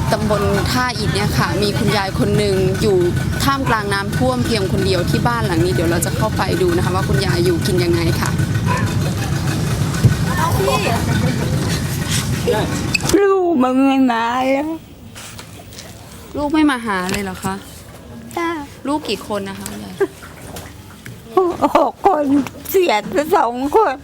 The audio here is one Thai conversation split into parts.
ตำบลท่าอิฐเนี่ยค่ะมีคุณยายคนหนึ่งอยู่ท่ามกลางน้ำท่วมเพียงคนเดียวที่บ้านหลังนี้เดี๋ยวเราจะเข้าไปดูนะคะว่าคุณยายอยู่กินยังไงค่ะลูกมึงไม่มาแล้วลูกไม่มาหาเลยเหรอคะลูกกี่คนนะคะคุณยาย 6 คนเสียไป2 คน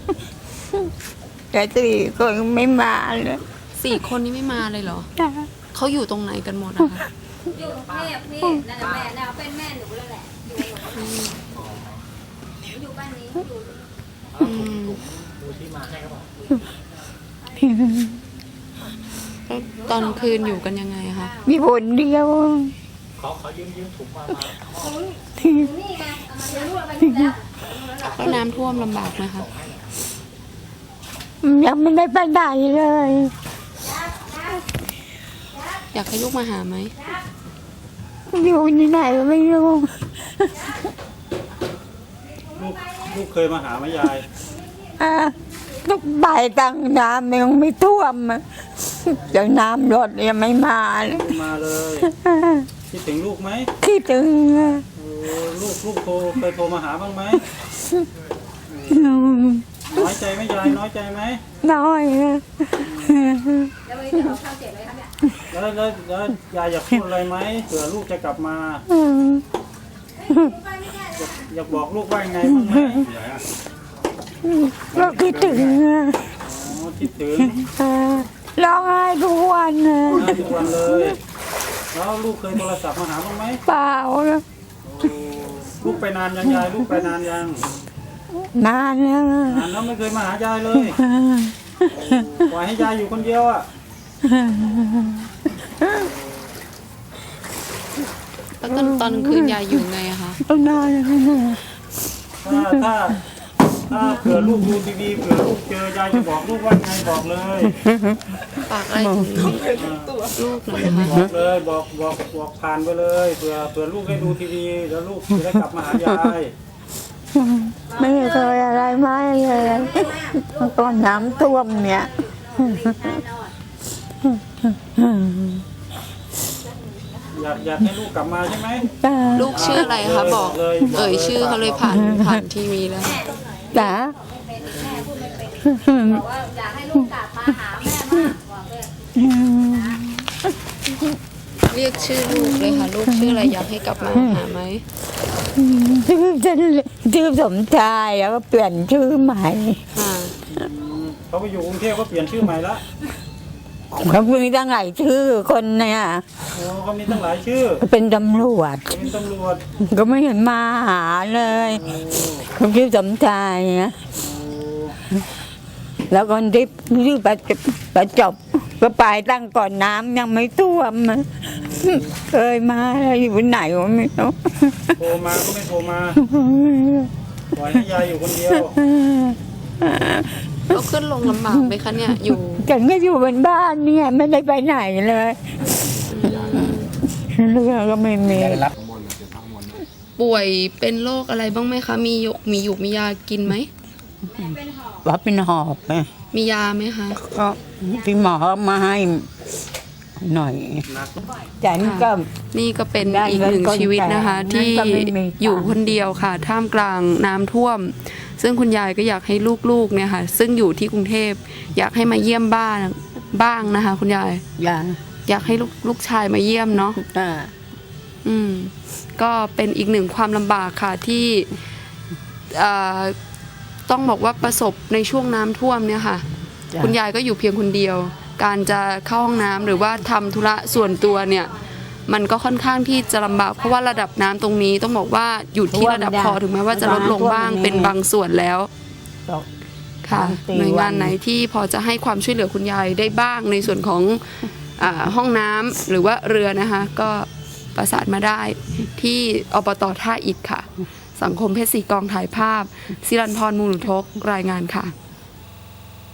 แต่4 คนไม่มาเลย 4 คนนี้ไม่มาเลยเหรอเขาอยู่ตรงไหนกันหมดนะคะอยู่กรุงเทพพี่นั่นแหละแม่น่ะเป็นแม่หนูเลยแหละอยู่บ้านนี้อยู่แล้วตอนคืนอยู่กันยังไงคะมีคนเดียวเขายืมถุงมานี่ไงเอามาเลี้ยงลูกไปนี่แล้วแล้วน้ำท่วมลำบากไหมคะยังไม่ได้ไปไหนเลยอยากให้ลูกมาหาไหมอยู่ที่ไหนก็ไม่รู้ลูกเคยมาหาไหมยายต้องไปตั้งน้ำยังไม่ท่วมเดี๋ยวน้ำลดยังไม่มาเลยมาเลยคิดถึงลูกไหมคิดถึงลูกเคยโทรมาหาบ้างไหมน้อยใจไหมยายน้อยใจไหมน้อยแล้ววันนี้จะเอาข้าวเจ็บไหมครับเนี่ยแล้วยายอยากพูดอะไรไหมเผื่อลูกจะกลับมาอยากบอกลูกว่ายังไงบ้างไหมก็คิดถึงคิดถึงร้องไห้ทุกวันนะทุกวันเลยแล้วลูกเคยโทรศัพท์มาหาบ้างไหมเปล่านะลูกไปนานยังยายลูกไปนานยังนานแล้วนานแล้วไม่เคยมาหายายเลยปล่อยให้ยายอยู่คนเดียวอ่ะแล้วตอนคืนยายอยู่ไงอะคะต้องนอนแล้วนะถ้าเผื่อลูกดูทีวีเผื่อลูกเจอยายจะบอกลูกว่าไงบอกเลยฝากอะไรถึงลูกหน่อยนะคะบอกเลยบอกผ่านไปเลยเผื่อลูกได้ดูทีวีแล้วลูกจะได้กลับมาหายายไม่เคยอะไรไม่เลยตอนน้ำท่วมเนี่ยอยากให้ลูกกลับมาใช่ไหมลูกชื่ออะไรคะบอกเอ่ยชื่อเขาเลยผ่านทีวีแล้วจ๋าบอกว่าอยากให้ลูกกลับมาหาแม่มากบอกเลยเรียกชื่อลูกเลยค่ะ ลูกชื่ออะไรอยากให้กลับมาหาไหมชื่อสมชายแล้วก็เปลี่ยนชื่อใหม่ค่ะเขาไปอยู่กรุงเทพก็เปลี่ยนชื่อใหม่ละเขามีตั้งหลายชื่อคนเนี่ยโอ้เขามีตั้งหลายชื่อเป็นตำรวจเป็นตำรวจก็ไม่เห็นมาหาเลยเขาชื่อสมชายนะแล้วคนที่ชื่อประจบก็ไปตั้งก่อนน้ำยังไม่ท่วมเคยมาแล้วอยู่ไหนวะไม่รู้โทรมาก็ไม่โทรมาปล่อยให้ยายอยู่คนเดียวเราขึ้นลงลำบากไหมคะเนี่ยอยู่ฉันก็อยู่บนบ้านเนี่ยไม่ได้ไปไหนเลยเรื่องก็ไม่มีป่วยเป็นโรคอะไรบ้างไหมคะมีมียากินไหมว่าเป็นหอบไงมียาไหมคะก็พี่หมอมาให้หน่อยฉันก็นี่ก็เป็นอีกหนึ่งชีวิตนะคะ ที่อยู่คนเดียวค่ะ ท่ามกลางน้ำท่วม ซึ่งคุณยายก็อยากให้ลูกๆเนี่ยค่ะ ซึ่งอยู่ที่กรุงเทพอยากให้มาเยี่ยมบ้างนะคะ คุณยาย อยากให้ลูกชายมาเยี่ยมเนาะก็เป็นอีกหนึ่งความลำบากค่ะที่ต้องบอกว่าประสบในช่วงน้ำท่วมเนี่ยค่ะ คุณยายก็อยู่เพียงคนเดียว การจะเข้าห้องน้ำหรือว่าทำธุระส่วนตัวเนี่ยมันก็ค่อนข้างที่จะลำบากเพราะว่าระดับน้ำตรงนี้ต้องบอกว่าอยู่ที่ระดับคอถึงแม้ว่าจะลดลงบ้างเป็นบางส่วนแล้วค่ะหน่วยงานไหนที่พอจะให้ความช่วยเหลือคุณยายได้บ้างในส่วนของห้องน้ำหรือว่าเรือนะคะก็ประสานมาได้ที่อบต.ท่าอิฐค่ะสังคมเพชรศรีกองถ่ายภาพศิรันพรมูลทกรายงานค่ะ